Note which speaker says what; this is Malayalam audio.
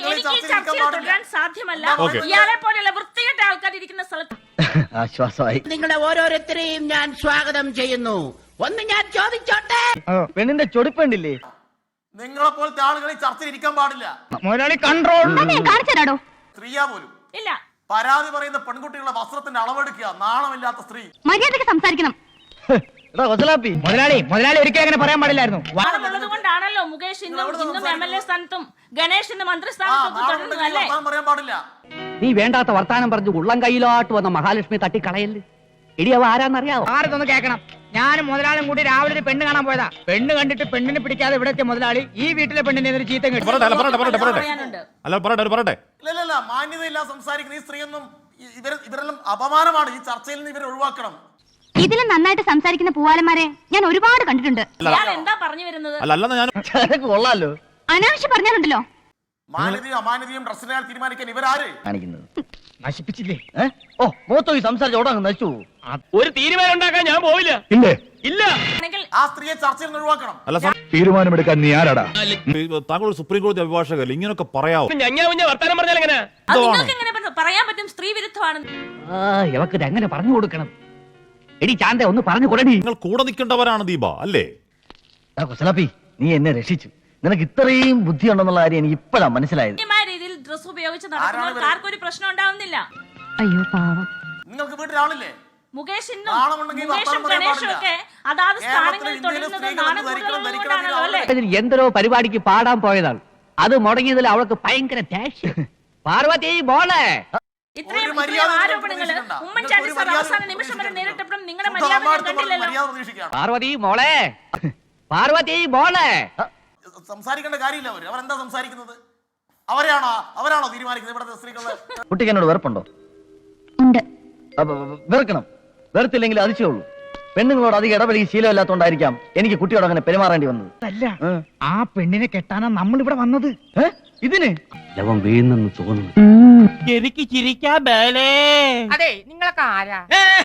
Speaker 1: സാധ്യമല്ല. ഇയാളെ പോലെയുള്ള വൃത്തികെട്ട ആൾക്കാർ ഇരിക്കുന്ന സ്ഥലത്ത്
Speaker 2: ആശ്വാസമായി.
Speaker 3: നിങ്ങളെ ഓരോരുത്തരെയും ഞാൻ സ്വാഗതം ചെയ്യുന്നു. ഒന്ന് ഞാൻ ചോദിച്ചോട്ടെ,
Speaker 2: പെണ്ണിന്റെ ചൊടിപ്പുണ്ടില്ലേ?
Speaker 4: നിങ്ങളെ പോലത്തെ ആളുകൾ ഈ ചർച്ചയിൽ ഇരിക്കാൻ പാടില്ല.
Speaker 2: മുതലാളി കൺട്രോൾ.
Speaker 4: സ്ത്രീയാ പോലും
Speaker 1: ഇല്ല.
Speaker 4: പരാതി പറയുന്ന പെൺകുട്ടികളുടെ വസ്ത്രത്തിന്റെ അളവെടുക്കുക. നാണമില്ലാത്ത സ്ത്രീ.
Speaker 5: മര്യാദയ്ക്ക് സംസാരിക്കണം.
Speaker 2: മുതലാളി ഒരിക്കലും അങ്ങനെ പറയാൻ പാടില്ലായിരുന്നു.
Speaker 1: ഉള്ളത് കൊണ്ടാണല്ലോ മുകേഷ് ഇന്നും MLA സ്ഥാനത്തും ഗണേഷ് ഇന്ന് മന്ത്രിസ്ഥാനത്തും തുടരുന്നത് അല്ലേ?
Speaker 4: പറയാൻ പാടില്ല.
Speaker 6: നീ വേണ്ടാത്ത വർത്താനം പറഞ്ഞു ഉള്ളം കയ്യിലോട്ട് വന്ന മഹാലക്ഷ്മി തട്ടിക്കളയല്ലേ. ഇടി അവ ആരാന്നറിയാവോ?
Speaker 2: ആരതൊന്ന് കേൾക്കണം. ഞാനും മുതലാളും കൂടി രാവിലെ ഒരു പെണ്ണ് കാണാൻ പോയതാ. പെണ്ണ് കണ്ടിട്ട് പെണ്ണിനെ പിടിക്കാതെ ഇവിടെ എത്തിയ മുതലാളി ഈ വീട്ടിലെ പെണ്ണിനെ എതിരെ ചീത്ത കിട്ടും.
Speaker 4: ഇല്ല, മാന്യതയില്ല സംസാരിക്കുന്ന ഈ സ്ത്രീയൊന്നും ഇവരെല്ലാം അപമാനമാണ്. ഈ ചർച്ചയിൽ നിന്ന് ഇവരെ ഒഴിവാക്കണം.
Speaker 5: ഇതിലും നന്നായിട്ട് സംസാരിക്കുന്ന പൂവാലന്മാരെ ഞാൻ ഒരുപാട് കണ്ടിട്ടുണ്ട്.
Speaker 1: എന്താ പറഞ്ഞു വരുന്നത്?
Speaker 2: കൊള്ളാലോ.
Speaker 5: അനാവശ്യം പറഞ്ഞാലുണ്ടല്ലോ.
Speaker 4: മാന്യതയും അമാന്യതയും ഡ്രസ്സിനെ തീരുമാനിക്കാൻ ഇവരാര്
Speaker 2: കാണിക്കുന്നത്? നശിപ്പിച്ചില്ലേ? ഓ മൂത്തോ ഈ സംസാരിച്ച് ഓടാ നശിച്ചു.
Speaker 7: ഒരു തീരുമാനം ഉണ്ടാക്കാൻ ഞാൻ പോവില്ല. ഇല്ല.
Speaker 4: ആ സ്ത്രീയെ ചർച്ചയിൽ നിന്ന് ഒഴിവാക്കണം.
Speaker 8: തീരുമാനമെടുക്കാൻ നീ ആരാടാ?
Speaker 9: താങ്കൾ സുപ്രീം കോടതി അഭിഭാഷകല്ലേ, ഇങ്ങനൊക്കെ പറയാവോ?
Speaker 7: വർത്താനം പറഞ്ഞാൽ എങ്ങനെ
Speaker 1: പറയാൻ പറ്റും? സ്ത്രീ വിരുദ്ധമാണ്.
Speaker 6: ഇവക്ക് എങ്ങനെ പറഞ്ഞു കൊടുക്കണം? എടി ചാന്ത ഒന്ന് പറഞ്ഞു കൊടുടി.
Speaker 9: നിങ്ങൾ കൂടെ നിൽക്കേണ്ടവരാണ് ദീപ അല്ലേ?
Speaker 2: കുസലാപ്പി നീ എന്നെ രക്ഷിച്ചു. നിനക്ക് ഇത്രയും ബുദ്ധി ഉണ്ടെന്നുള്ള കാര്യം എനിക്ക് ഇപ്പോഴാണ് മനസ്സിലായത്.
Speaker 1: രീതിയിൽ ഡ്രസ് ഉപയോഗിച്ച് നടക്കുന്നവർക്ക് ആർക്കും ഒരു പ്രശ്നം ഉണ്ടാവുന്നില്ല.
Speaker 5: അയ്യോ പാവം.
Speaker 4: നിങ്ങൾക്ക് വീട്ടിലാളില്ലേ?
Speaker 1: മുകേഷും ഗണേഷും ഒക്കെ അതാത് സ്ഥാനങ്ങളിൽ തുടരുന്നത് നാണംകൊണ്ടാണല്ലോ അല്ലേ?
Speaker 6: എന്തോ പരിപാടിക്ക് പാടാൻ പോയതാണ്. അത് മുടങ്ങിയതിൽ അവൾക്ക് ഭയങ്കര ദേഷ്യം. പാർവതി മോളെ,
Speaker 1: ഇത്രയും ആരോപണങ്ങള് ഉമ്മൻചാണ്ടി സാർ അവസാന നിമിഷം വരെ നേരിട്ടപ്പോഴും നിങ്ങളുടെ മര്യാദ കണ്ടില്ലല്ലോ.
Speaker 6: പാർവതി മോളെ
Speaker 4: സംസാരിക്കേണ്ട കാര്യമില്ല. അവരെന്താ സംസാരിക്കുന്നത്? അവരാണോ തീരുമാനിക്കുന്നത് ഇവിടുത്തെ സ്ത്രീകളെ?
Speaker 2: കുട്ടിക്ക് എന്നോട് വെറുപ്പുണ്ടോ?
Speaker 5: ഉണ്ട്.
Speaker 2: വെറുക്കണം. വെറുത്തില്ലെങ്കിൽ അതിശയുള്ളൂ. പെണ്ണുങ്ങളോട് അധികം ഇടപെടുകയും ശീലമില്ലാത്തോണ്ടായിരിക്കാം എനിക്ക് കുട്ടിയോട് അങ്ങനെ പെരുമാറേണ്ടി വന്നത്. അല്ല, ആ പെണ്ണിനെ കെട്ടാനാ നമ്മൾ ഇവിടെ വന്നത്. ഇതിന്
Speaker 6: ലവം വീണെന്ന് തോന്നുന്നു.
Speaker 7: എനിക്ക് ചിരിക്കാ ബേലേ.
Speaker 3: അതെ നിങ്ങളൊക്കെ ആരാ?